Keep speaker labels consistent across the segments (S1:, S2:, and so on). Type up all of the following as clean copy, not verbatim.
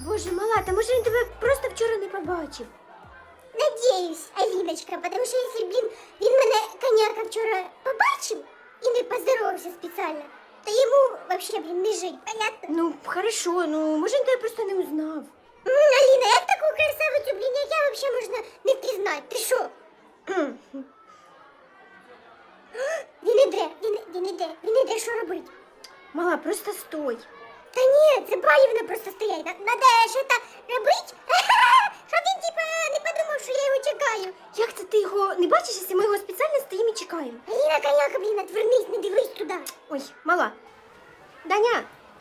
S1: Боже, мала, та може він тебе просто вчора не побачив?
S2: Надіюсь, Аліночка, тому що якщо, блін, він мене коняка вчора побачив і не поздоровався спеціально, то йому вообще, блін, не жить, понятно?
S1: Ну, хорошо, ну може він тебе просто не узнав.
S2: Аліна, як таку красавицю, блін, як я вообще можна не впізнати? Ти що? Він іде, що робить?
S1: Мала, просто стой.
S2: Та ні, це Балівна просто стоять. Надо щось робити, щоб він, типа, не подумав, що я його чекаю.
S1: Як це ти його не бачиш, якщо ми його спеціально стоїмо і чекаємо?
S2: Аліна, коняка, блін, отвернись, не дивись туди.
S1: Ой, мала. Даня.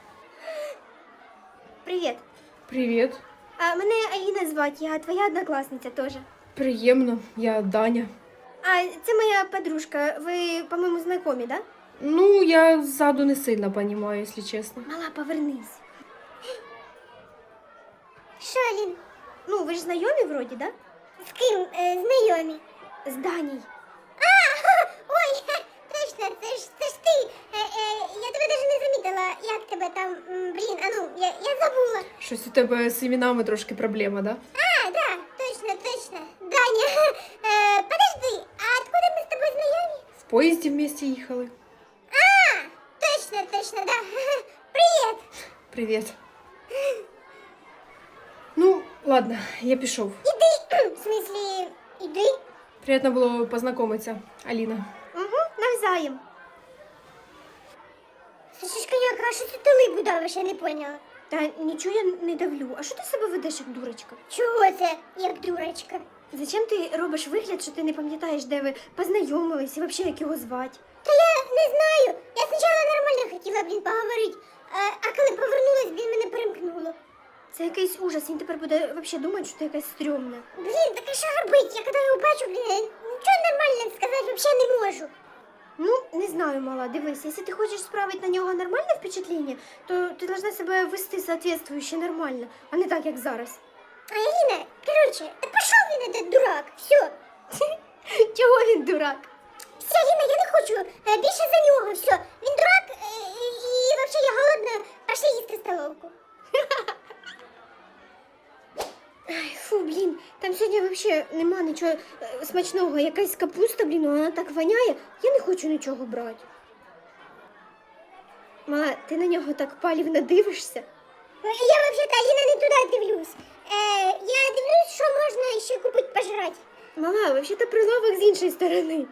S1: Привіт.
S3: Привіт.
S1: А мене Аліна звати, я твоя однокласниця теж.
S3: Приємно, я Даня.
S1: А це моя подружка. Ви, по-моєму, знайомі, да?
S3: Ну, я ззаду не сильно понимаю, якщо чесно.
S1: Мала, повернись.
S2: Що, Алін?
S1: Ну, ви ж знайомі вроді, да?
S2: З ким знайомі?
S1: З Даній.
S2: Ой, точно, це ж ти. Я тебе навіть не замітила, як тебе там, блін, а ну, я забула.
S3: Щось у тебе з іменами трошки проблема, да?
S2: А, да, точно. Даня, подожди, а откуда ми з тобою знайомі?
S3: В поїзді вместе їхали.
S2: А, точно, да. Привіт.
S3: Привіт. Ну, ладно, я пішов.
S2: Іди, в смислі, іди.
S3: Приємно було познайомитися, Аліна.
S1: Угу, навзаєм.
S2: Слушай, коняка, а що ти тили будовиш, я не поняла.
S1: Та нічого я не давлю. А що ти себе ведеш як дурочка?
S2: Чого це, як дурочка?
S1: Зачем ти робиш вигляд, що ти не пам'ятаєш, де ви познайомились і взагалі як його звати?
S2: Та я не знаю. Я спочатку нормально хотіла, блін, поговорити, а коли повернулась, блін, мене перемкнуло.
S1: Це якийсь ужас, він тепер буде взагалі думати, що ти якась стрьомна.
S2: Блін, так а що робити? Я коли його бачу, блін, я нічого нормально сказати взагалі не можу.
S1: Ну, не знаю, мала, дивись, якщо ти хочеш справити на нього нормальне впечатлення, то ти должна себе вести соответствующе нормально, а не так, як зараз.
S2: А Аліна, коротше, та пішов він, этот дурак, все.
S1: Чого він дурак?
S2: Все, Аліна, я не хочу більше за нього, все. Він дурак, і взагалі я голодна, пошли їсти столовку.
S1: Ай, фу, блін, там сьогодні взагалі нема нічого смачного. Якась капуста, блін, вона так воняє, я не хочу нічого брати. Мала, ти на нього так палівно дивишся?
S2: Я взагалі-то, Аліна, не туди дивлюсь. Я дивлюсь, що можна ще купити пожрати.
S1: Мала, взагалі-то прилавок з іншої сторони.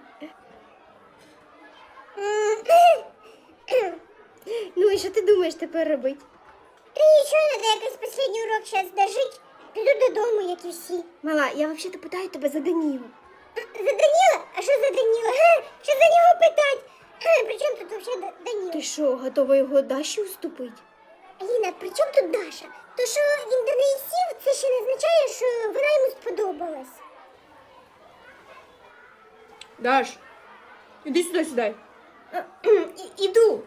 S1: Ну і що ти думаєш тепер робити?
S2: Та нічого, треба якийсь останній урок зараз дожити. Піду додому, як і всі.
S1: Мала, я взагалі-то питаю тебе за Данілу.
S2: За Даніла? А що за Даніла? Що за нього питати? При чому тут взагалі Даніл?
S1: Ти що, готова його Даші уступити?
S2: Аліна, при чому тут Даша? То, що він до неї сів, це ще не означає, що вона йому сподобалась.
S3: Даш, іди сюди, сідай.
S1: Іду.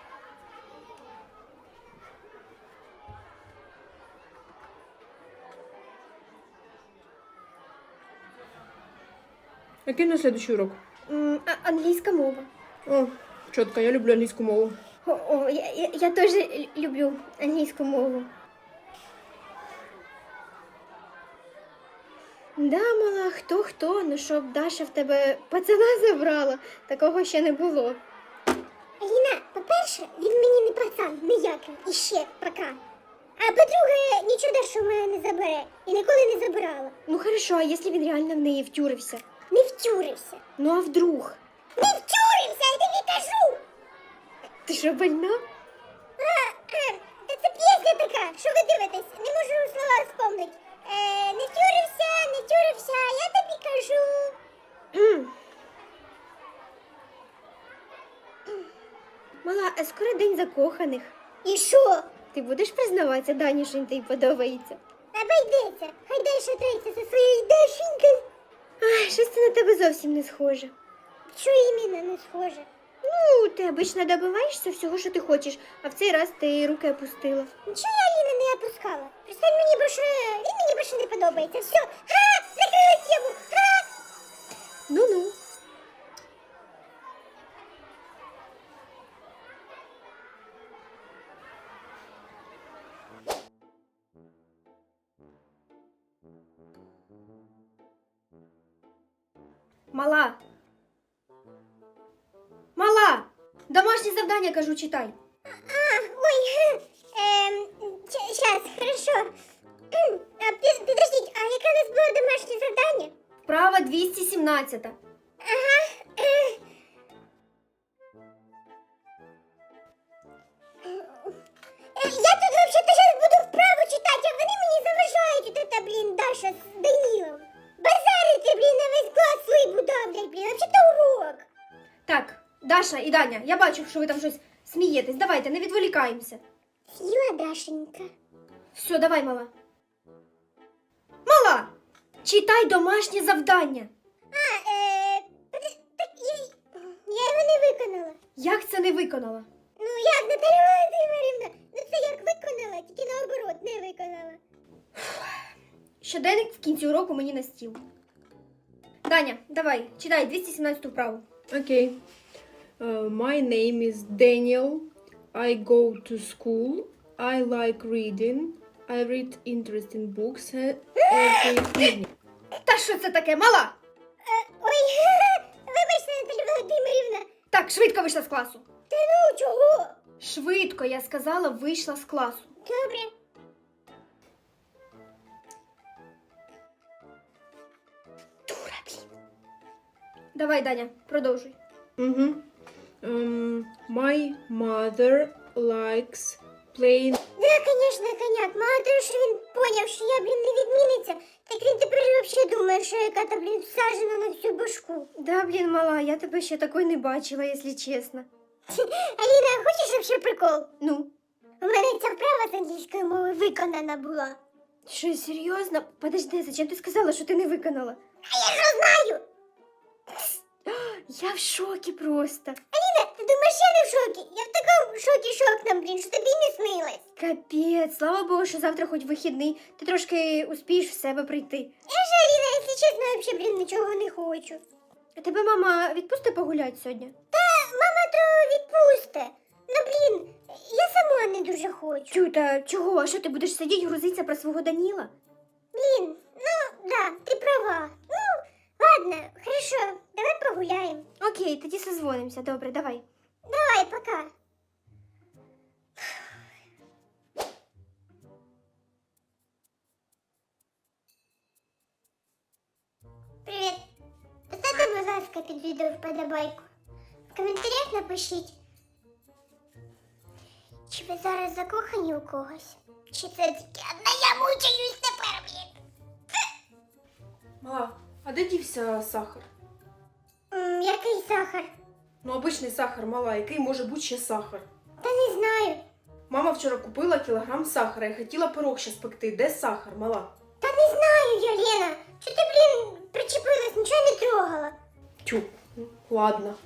S3: Який на следующий урок?
S1: Англійська мова.
S3: О, чітко, я люблю англійську мову.
S1: О, я теж люблю англійську мову. Да, мала, хто, ну щоб Даша в тебе пацана забрала, такого ще не було.
S2: Аліна, по-перше, він мені не пацан, ніякий, іще, пока. А по-друге, нічого Даша в мене не забере і ніколи не забирала.
S1: Ну хорошо, а якщо він реально в неї втюрився?
S2: Не втюрився.
S1: Ну а вдруг?
S2: Не втюрився, я тобі кажу!
S1: Ти що, больна?
S2: Та це пісня така, що ви дивитесь? Не можу слова вспомнити. Не тюрився, я тобі кажу.
S1: Мала, а скоро день закоханих.
S2: І що?
S1: Ти будеш признаватися Дані, що він тобі подобається?
S2: Обійдеться, хай далі треться зі своєю Дашенькою.
S1: Ай, щось це на тебе зовсім не схоже.
S2: Що іменно не схоже?
S1: Ну, ти обично добиваєшся всього, що ти хочеш, а в цей раз ти руки опустила.
S2: Нічого я Аліна не опускала. Представь, він мені більше не подобається. Все, закрили тему.
S1: Ну-ну. Мала. Мала! Домашнє завдання, кажу, читай.
S2: Ой, сейчас, хорошо. Подождите, а яке у нас було домашнє завдання?
S1: Вправа 217.
S2: Я тут вообще-то сейчас буду вправо читать, а вони мені заважають. Вот это, блин, Даша з Данилом. Базарити, блин, на весь клас свій будавлять, блин, вообще-то урок.
S1: Так, Даша і Даня, я бачу, що ви там щось смієтесь. Давайте, не відволікаємося.
S2: Сіла, Дашенька.
S1: Все, давай, мала. Мала! Читай домашнє завдання.
S2: Так я його не виконала.
S1: Як це не виконала?
S2: Ну як, Наталя Володимирівна? Ну це як виконала, тільки наоборот не виконала.
S1: Щоденник в кінці уроку мені на стіл. Даня, давай, читай 217 вправу.
S3: Okay. My name is Daniel. I go to school. I like reading. I read interesting books every evening.
S1: Та що це таке, мала?
S2: Ой, вибачте, Наталя Володимирівна.
S1: Так, швидко вийшла з класу.
S2: Та ну чого?
S1: Швидко, я сказала, вийшла з класу.
S2: Добре. Дура, блін.
S1: Давай, Даня, продовжуй.
S3: Mm-hmm. My mother likes playing.
S2: Да, конечно, коняк. Мало того, що він поняв, що я, блін, не відмінниця, так він тепер взагалі думає, що яка-то, блін, всаджена на всю башку.
S1: Да, блін, мала, я тебе ще такої не бачила, якщо чесно.
S2: Аліна, хочеш вообще прикол?
S1: Ну,
S2: У мене ця вправа з англійської мови виконана була.
S1: що, серйозно? Подожди, зачем ти сказала, що ти не виконала?
S2: А я ж знаю!
S1: Я в шокі просто.
S2: Аліна, ти думаєш, я не в шокі? Я в такому шокі шокном, блін, що тобі не снилось.
S1: Капець, слава Богу, що завтра хоч вихідний, ти трошки успієш в себе прийти.
S2: Я ж, Аліна, якщо чесно, взагалі, блін, нічого не хочу.
S1: А тебе мама відпусти погуляти сьогодні?
S2: Та мама то відпусте. Ну, блін, я сама не дуже хочу.
S1: Тюта, чого? А що ти будеш сидіти грузитися про свого Даніла?
S2: Блін, ну, да, ти права. Ну, ладно, хорошо, давай погуляємо.
S1: Окей, тоді созвонимося. Добре, давай.
S2: Давай, пока. Привіт. Поставте, будь ласка, під відео вподобайку. В коментарях напишіть, чи ви зараз закохані у когось, чи це тільки одна я мучаюсь тепер, блін.
S3: Мала, а де дівся сахар?
S2: Який сахар?
S3: Ну, обичний сахар, мала, який може бути ще сахар?
S2: Та не знаю.
S3: Мама вчора купила кілограм сахара і хотіла пирог ще спекти. Де сахар, мала?
S2: Та не знаю я, Лена. Чого ти, блін, причепилась, нічого не трогала.
S3: Тю, ладно.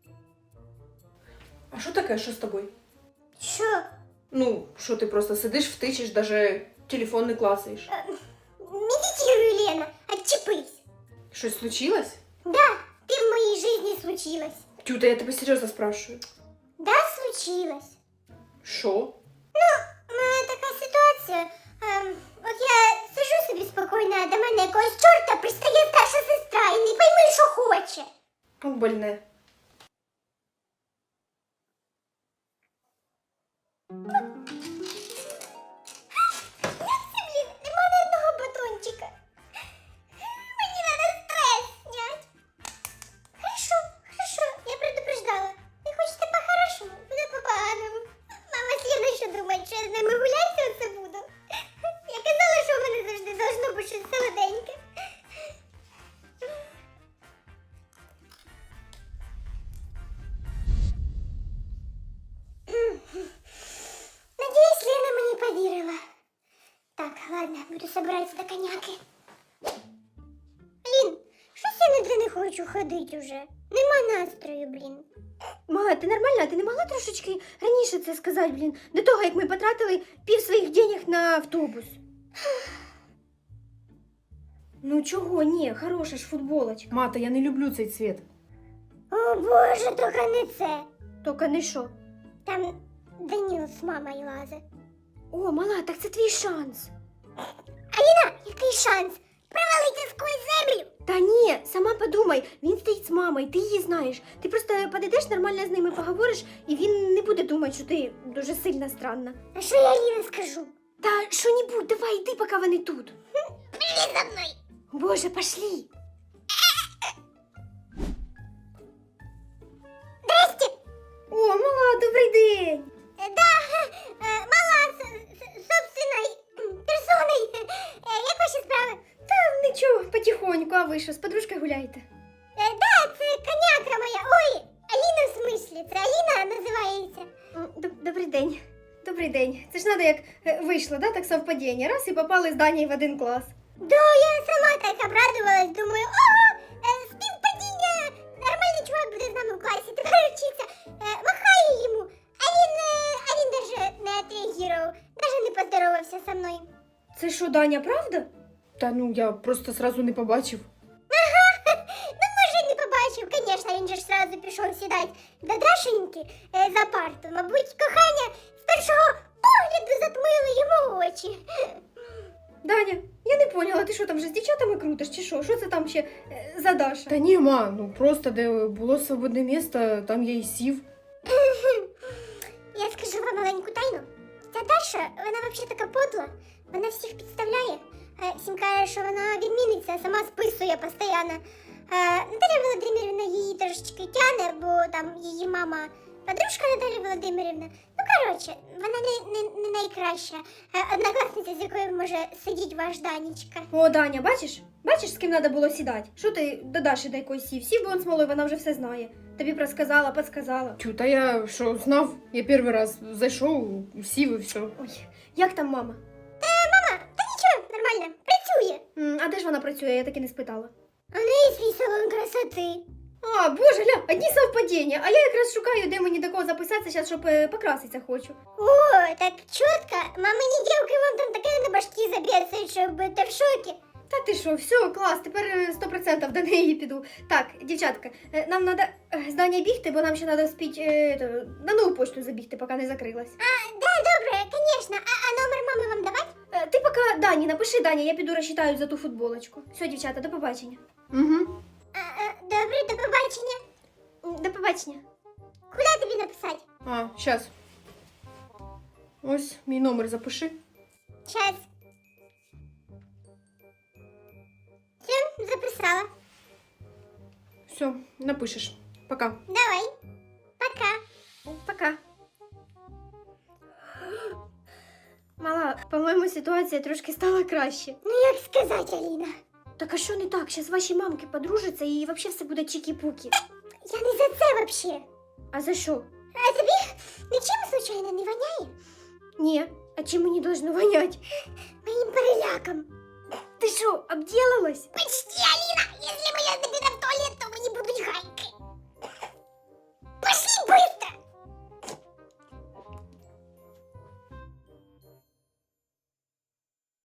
S3: А що таке, що з тобою?
S2: Що?
S3: Ну, що ти просто сидиш, втичеш, даже телефон не клацаєш.
S2: Медитирую, Лена, отчепись.
S3: Щось случилось?
S2: Да, ты в моей жизни случилась.
S3: Тю, та я тебе серйозно спрашиваю.
S2: Да, случилось.
S3: Що?
S2: У мене така ситуація. От я сижу собі спокійно, а до мене якогось чорта пристає старша сестра і не пойми, що хоче.
S3: От больне.
S2: Блін, нема ні одного батончика. Мені надо стрес снять. Хорошо, хорошо, я предупреждала. Не хочете по-хорошему, буде по-поганому. Мама з Леною що думає, що я з ними гуляти оце буду? Я казала, що в мене завжди должно бути щось солоденьке. Надеюсь, Лена мені повірила. Так, ладно, буду собираться до коняки. Блін, щось я ніде не хочу ходити уже. Нема настрою, блін.
S1: Мала, ти нормальна? Ти не могла трошечки раніше це сказати, блін? До того, як ми потратили пів своїх денег на автобус. Ну чого? Ні, хороша ж футболочка.
S3: Мата, я не люблю цей цвіт.
S2: О боже, тільки не це.
S1: Тільки не що.
S2: Там Даніл з мамою лазить.
S1: О, мала, так це твій шанс.
S2: Аліна, який шанс? провалиться сквозь землю.
S1: Та ні, сама подумай, він стоїть з мамою, ти її знаєш. Ти просто подійдеш, нормально з ними поговориш, і він не буде думати, що ти дуже сильно странна.
S2: А що я Аліна скажу?
S1: Та що-небудь, давай йди, поки вони тут.
S2: Пішли за мною.
S1: Боже, пошли.
S2: Здрасте.
S1: О, мала, добрий день.
S2: Да, мала собственной персоной. Як ваші справи?
S1: Та нічого, потихоньку, а ви що, з подружкою гуляєте?
S2: Да, це коняка моя. Ой, Аліна в смислі, це Аліна називається.
S1: Добрий день. Добрий день. Це ж надо як вийшло, да, так совпадіння. Раз і попали з Данією в один клас.
S2: Да, я сама так обрадувалась, думаю, ого, співпадіння, нормальний чувак буде з нами в класі, тепер вчиться. Махаю йому, а він даже не отреагував, даже не поздоровався со мною.
S1: Це що, Даня, правда?
S3: Та ну я просто сразу не побачив.
S2: Ну, може, не побачив, звісно, він же ж сразу пішов сідати до Дашеньки за парту. Мабуть, кохання з першого погляду затмило йому очі.
S1: Даня, я не поняла, ти що там вже з дівчатами крутиш, чи що? Що це там ще за Даша?
S3: Та ні, ма, ну просто де було свободне місце, там я і сів.
S2: Я скажу вам маленьку тайну. Ця Даша, вона взагалі така подла, вона всіх підставляє. Всім каже, що вона відміниться, а сама списує постійно. Наталя Володимирівна її трошечки тяне, бо там її мама подружка Наталя Володимирівна. Ну, коротше, вона не найкраща однокласниця, з якою може сидіти ваш Данечка.
S1: О, Даня, бачиш? Бачиш, з ким треба було сідати? Що ти до Даші до якоїсь сів? Сів би он з малою, вона вже все знає. Тобі розказала, підсказала.
S3: Тю, та я що, знав, я перший раз зайшов, сів і все.
S1: Ой, як там мама?
S2: Мама, та нічого, нормально, працює.
S1: А де ж вона працює, я так і не спитала.
S2: У неї свій салон красоти.
S1: А, боже, ля, одні совпадіння. А я якраз шукаю, де мені до кого записатися, зараз, щоб покраситися хочу.
S2: О, так чітко. Мамині дівки вам там таке на башки заб'ється, що будете в шокі.
S1: Та ти що, все, клас, тепер 100% до неї піду. Так, дівчатка, нам треба з Даня бігти, бо нам ще треба спіти на нову почту забігти, поки не закрилась.
S2: Да, добре, звісно. А номер мами вам давати?
S1: Ти поки Дані, напиши Даня, я піду розчитаю за ту футболочку. Все, дівчата, до побачення.
S3: Угу.
S2: Добре, до побачення.
S1: До побачення.
S2: Куди тобі написати?
S3: А, щас. Ось мій номер запиши.
S2: Щас. Все, записала.
S3: Все, напишеш. Пока.
S2: Давай. Пока.
S1: Пока. Мала, по-моєму, ситуація трошки стала краще.
S2: Ну як сказати, Аліна?
S1: Так а що не так? Зараз ваші мамки подружаться і взагалі все буде чікі-пукі.
S2: Я не за це вообще.
S1: А за що?
S2: А тобі нічим случайно не воняє?
S1: Ні, а чим мені должно вонять?
S2: Моїм переляком.
S1: Ти що, обділилась?
S2: Почти, Аліна, якщо я тобі в туалет, то